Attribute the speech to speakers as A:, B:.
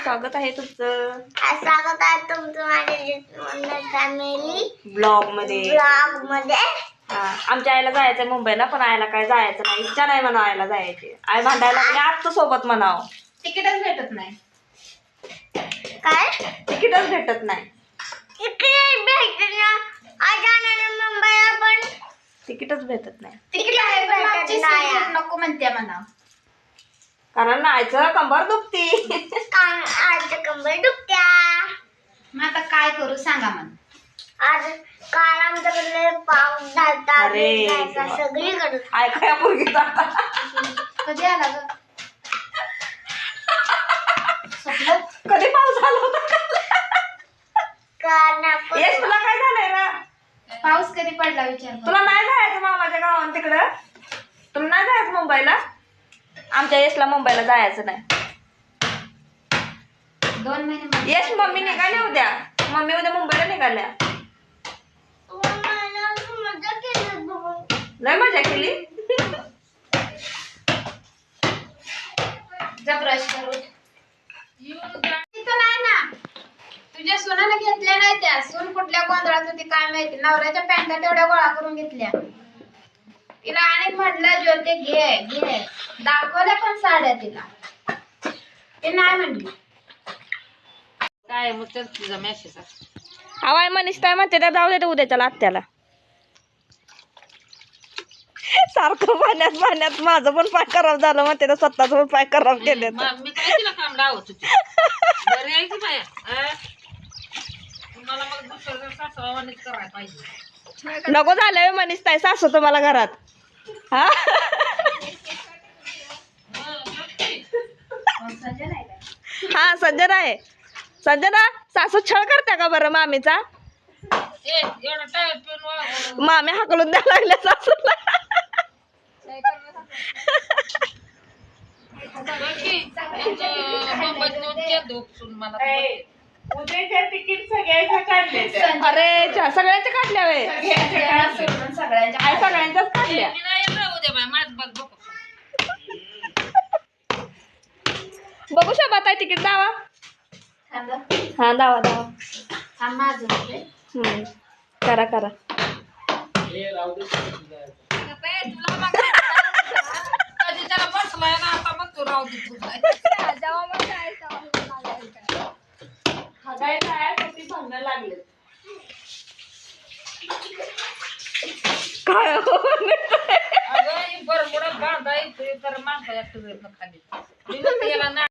A: स्वागत आहे तुमचं.
B: स्वागत आहे तुमचं माझ्या फॅमिली
A: ब्लॉग मध्ये. आमच्या आईला जायचंय मुंबईला, पण आईला काय जायचं नाही, इच्छा नाही म्हणा आईला जायची. आई भांडायला लागली आत्ता सोबत म्हणाव.
C: तिकीटच भेटत नाही.
B: काय
A: तिकीटच भेटत नाही.
B: तिकीट भेटत ना मुंबईला पण
A: तिकीटच भेटत नाही.
C: तिकीट आहे पण मागची सीट नको म्हणते म्हणा.
A: कारण नाहीचं कंबर दुखती.
B: आज कंबर दुखत्या.
C: मग आता काय करू सांगा मला.
B: आज काल आमच्याकडे पाऊस झालता.
A: अरे
B: सगळीकडे
A: ऐकाया पोरगीचा.
C: कधी आला ग?
A: कधी पाऊस आला होता? यश तुला काय झालंय ना?
C: पाऊस कधी पडला विचार
A: तुला नाही जायचं मामाच्या गावात तिकडं? तुला नाही जायचं मुंबईला? आमच्या यशला मुंबईला जायचं नाही.
C: 2 महिने
A: यश मम्मी निघाली उद्या. मम्मी उद्या मुंबईला निघाल्या. लय मजा केली.
C: जा ब्रश करू. तिथं नाही ना, तुझ्या सोनाला घेतल्या नाही त्या. सून कुठल्या गोंधळात होती काय माहिती. नवऱ्याच्या पॅन्टा तेवढ्या गोळा करून घेतल्या. तिला आणि म्हटलं ज्योती घे घे, दाखवल्या पण साड्या तिला. ते नाही म्हणली. काय मग तुझा मेसेज
A: आवाय मनीष काय म्हणते त्या जाऊ दे उद्याच्या आत्याला. सारखं पाण्यात माझं पण पाय खराब झालं म्हणते तर स्वतःच पण पाय खराब केले.
C: मी काय तिला काम लावत होती. बरी आहे की बाया. तुम्हाला मग दुसरं सासवानीच करायला पाहिजे.
A: नको झालं मनीष ताई सासू तुम्हाला घरात. हा हा संजना आहे. संजना सासू छळ करते का बरं मामीचा? मामी हाकलून द्यायला लागल्या सासूला. अरे सगळ्यांच्या काढल्या वे. सगळ्यांच्याच काढल्या. बघू शकता ताई तिकीट दावा. हा दावा करा करा. काय